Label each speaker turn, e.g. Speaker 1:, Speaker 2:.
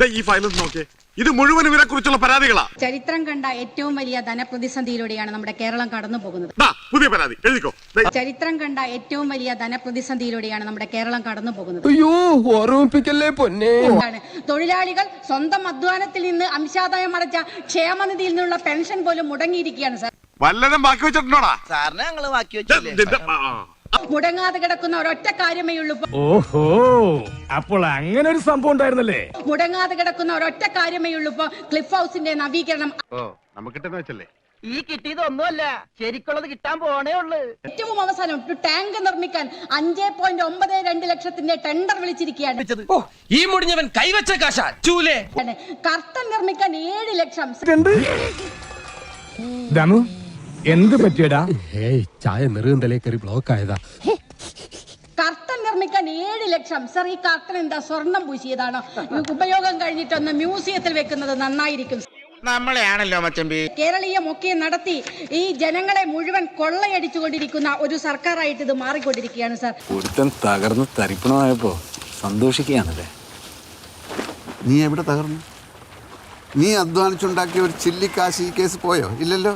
Speaker 1: ഈ ഫയലും നോക്കേ, ഇത് മുഴുവൻ ഇവരെ കുറിച്ചുള്ള പരാതികളാ.
Speaker 2: ചരിത്രം കണ്ട ഏറ്റവും വലിയ ധനപ്രതിസന്ധിയിലൂടെയാണ് നമ്മുടെ കേരളം കടന്നു പോകുന്നത്.
Speaker 1: പുതിയ പരാതി എഴുതിക്കോ.
Speaker 2: ചരിത്രം കണ്ട ഏറ്റവും വലിയ ധനപ്രതിസന്ധിയിലൂടെയാണ് നമ്മുടെ കേരളം കടന്നു പോകുന്നത്.
Speaker 3: അയ്യോ, ഓർമ്മിപ്പിക്കല്ലേ പൊന്നെ.
Speaker 2: തൊഴിലാളികൾ സ്വന്തം അധ്വാനത്തിൽ നിന്ന് അംശാദായം അടച്ച ക്ഷേമനിധിയിൽ നിന്നുള്ള പെൻഷൻ പോലും മുടങ്ങിയിരിക്കുകയാണ് സാർ.
Speaker 1: വല്ലതും ബാക്കി വെച്ചിട്ടുണ്ടോടാ?
Speaker 4: സാറിനെ ഞങ്ങള് ബാക്കി വെച്ചില്ലേ?
Speaker 2: മുടങ്ങാതെ കിടക്കുന്ന ഒരൊറ്റ കാര്യമേ ഉള്ളൂ.
Speaker 5: ഓഹോ, അപ്പോൾ അങ്ങനെ ഒരു സംഭവം ഉണ്ടായിരുന്നല്ലേ?
Speaker 2: മുടങ്ങാതെ കിടക്കുന്ന ഒരൊറ്റ കാര്യമേ ഉള്ളൂ. ഇപ്പൊ ക്ലിഫ് ഹൗസിന്റെ നവീകരണം.
Speaker 1: നമുക്കിട്ടെന്ന് വെച്ചല്ലേ?
Speaker 4: ഈ കിട്ടിയതൊന്നുമല്ല, ശരിക്കുള്ളത് കിട്ടാൻ പോണേ ഉള്ളു.
Speaker 2: ഏറ്റവും അവസാനം ടാങ്ക് നിർമ്മിക്കാൻ 5.92 ലക്ഷത്തിന്റെ ടെൻഡർ വിളിച്ചിരിക്കുകയാണ്.
Speaker 3: ഈ മുടിഞ്ഞവൻ കൈവച്ച കാശ ചൂലേ.
Speaker 2: കർട്ടൻ നിർമ്മിക്കാൻ 7 ലക്ഷം.
Speaker 5: ദമു, എന്ത് പറ്റിയടാ?
Speaker 3: ചായ നെറുകന്തലേ കയറി ബ്ലോക്ക് ആയതാ.
Speaker 2: കർട്ടൻ നിർമ്മിക്കാൻ 7 ലക്ഷം. സർ, ഈ കർട്ടൻ എന്താ സ്വർണം പൂശിയതാണോ? ഉപയോഗം കഴിഞ്ഞിട്ടൊന്ന് മ്യൂസിയത്തിൽ വെക്കുന്നത് നന്നായിരിക്കും.
Speaker 4: നമ്മളെയാണല്ലോ മച്ചമ്പി.
Speaker 2: കേരളീയമൊക്കെ നടത്തി ഈ ജനങ്ങളെ മുഴുവൻ കൊള്ളയടിച്ചുകൊണ്ടിരിക്കുന്ന ഒരു സർക്കാരായിട്ട് ഇത് മാറിക്കൊണ്ടിരിക്കുകയാണ് സാർ.
Speaker 6: ഒരുത്തൻ തകർന്ന് തരിപ്പണമായപ്പോ സന്തോഷിക്കുകയാണല്ലേ?
Speaker 7: നീ എവിടെ തകർന്നു? നീ അധ്വാനിച്ചുണ്ടാക്കിയ ഒരു ചില്ലിക്കാശ് ഈ കേസ് പോയോ? ഇല്ലല്ലോ.